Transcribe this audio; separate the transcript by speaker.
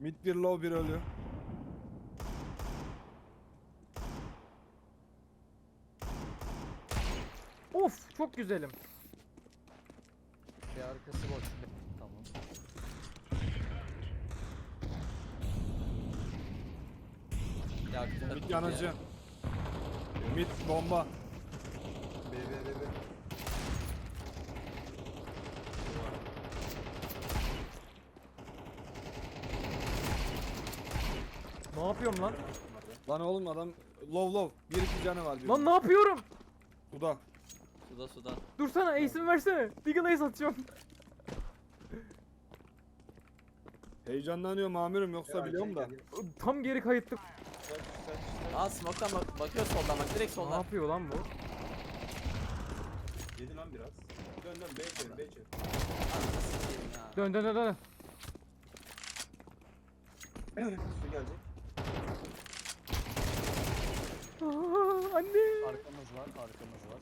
Speaker 1: Mid bir low bir ölü.
Speaker 2: Of çok güzelim.
Speaker 3: Bir arkası boş. Tamam. Yaktı.
Speaker 1: Mid yanıcı. Mid bomba.
Speaker 4: B B B B.
Speaker 2: Ne yapıyorum lan?
Speaker 1: Lan oğlum adam low. Bir iki canı var diyor.
Speaker 2: Lan ne yapıyorum?
Speaker 1: Suda.
Speaker 3: Suda suda.
Speaker 2: Dursana ace'imi versene. Deagle ace atacağım.
Speaker 1: Heyecanlanıyorum amirim yoksa biliyorum da.
Speaker 2: Tam geri kayıttık.
Speaker 3: Aa smoke'tan bakıyor soldan bak direkt
Speaker 2: Ne
Speaker 3: soldan.
Speaker 2: yapıyor lan bu?
Speaker 4: Yedi lan biraz. Dön dön B çevir B çevir.
Speaker 3: Anasını sikeyim ya.
Speaker 2: Dön dön dön dön.
Speaker 4: Su gelecek.
Speaker 2: Aa, anne.
Speaker 3: Arkamız var arkamız var.